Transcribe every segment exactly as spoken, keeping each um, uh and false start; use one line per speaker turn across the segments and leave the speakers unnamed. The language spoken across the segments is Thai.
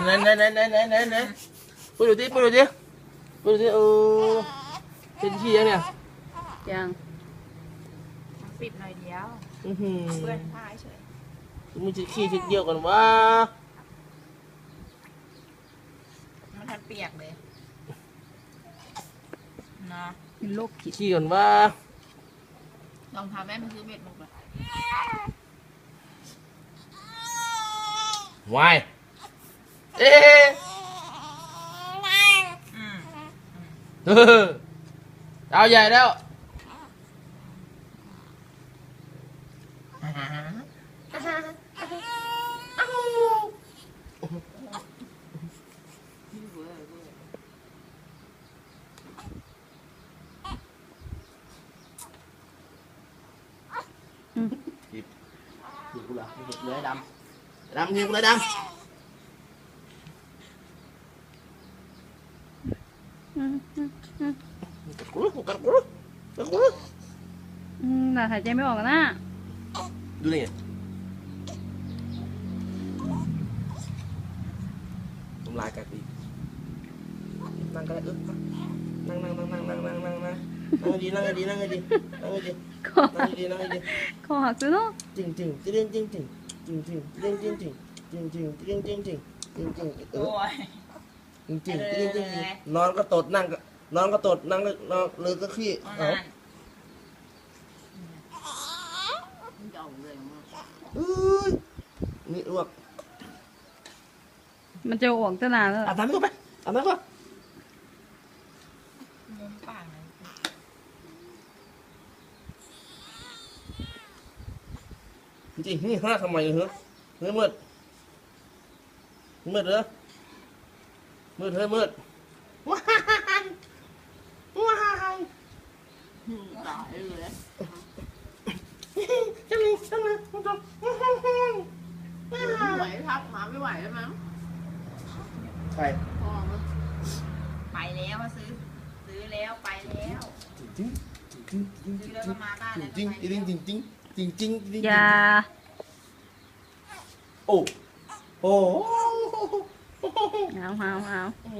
ไหนไหนไหนไหนไหนไหนไหนพูดดูดิพูดดูดิพูดดูดิโอ้เป็นขี้ยังเนี่ย
ยัง
ปิดหน่อยเดียว
อือหือ
เพื่อนพายเฉย
มึงจะขี้ทีเดียวกันวะ
มันทันเปียกเลยนะ
เป็นโรคขีด
ขี้กันวะ
ลองทำแม่มันซื้อเบ็ดมาก่อน
วายเอ๊ะ
อืม
เออเอาใหญ่แล้ว หยิบหยิบกูเหรอหยิบเลยดำดำหยิบเลยดำกัดกูกัดกูกัดกู
อืมแต่หายใจไม่ออกนะ
ดูนี่ทำลายกัดอีกนั่งก็ได้อึ๊บนั่งนั่งนั่งนั่งนั่งนั่งนั่งนั่งนั่งดีนั่งดีนั่งดีนั่งดี
คอ
นั่งดีนั่งดี
คอหักซื้อเนาะ
จริงจริงจริงจริงจริงจริงจริงจริงจริงจริงจริงจริงจริงจริงจริงจริงจริงเอ
โอ้
อย จริงจริงจริงจริงนอนก็ตดนั่งก็นอนก็ตดนั่งก็นอนเลยก็ขี้
เอา
เอา
นั่นเก่าเลยมั้ง
อุ้ยนี่อ้วก
มันจะอ้วกตั้งนานแล้ว
อาบน้ำก็ไปอาบน้ำก็
มุมปากเลย
จริงๆนี่ห้าทำไมเหรอเฮ้ยมืดมืดเหรอมืดเฮ้ยมืดว้ายว้าย
ตายเลย
จังเลยจังเลยจังเลย
ไหวทับหมาไม่ไหวแล้วมั้ง
ใคร
พอมั้งไปแล้วมาซื้อ ซื้อแล้วไปแล้ว
จริงจริงจริง
ซื้อแล้วก็มาบ้านแล้ว
จริงจริงจริงจริงจริงจริงจริง
อย่า
โอ้โอ้
เอาเอาเอา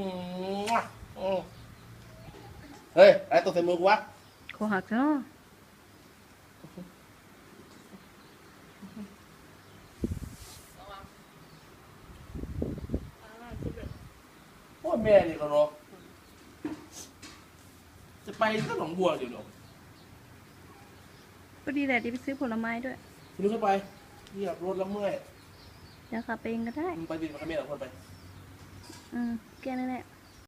เฮ้ยไอ้ตัวใส่มือกูวะ
คอหักซื้อเนาะ
โอ้แม่นี่ก็รอจะไปก็หนองบัวเดี๋ยวหรอ
พอดีแหละที่ไปซื้อผลไม้ด้วย
คุณเข้าไปเหยียบรถแล้วเมื่อย
เดี๋ยวขับไปเองก็ได้
มึงไปบินมาขมิ้นหรอคนไป
อืมแค่นั้นแหละ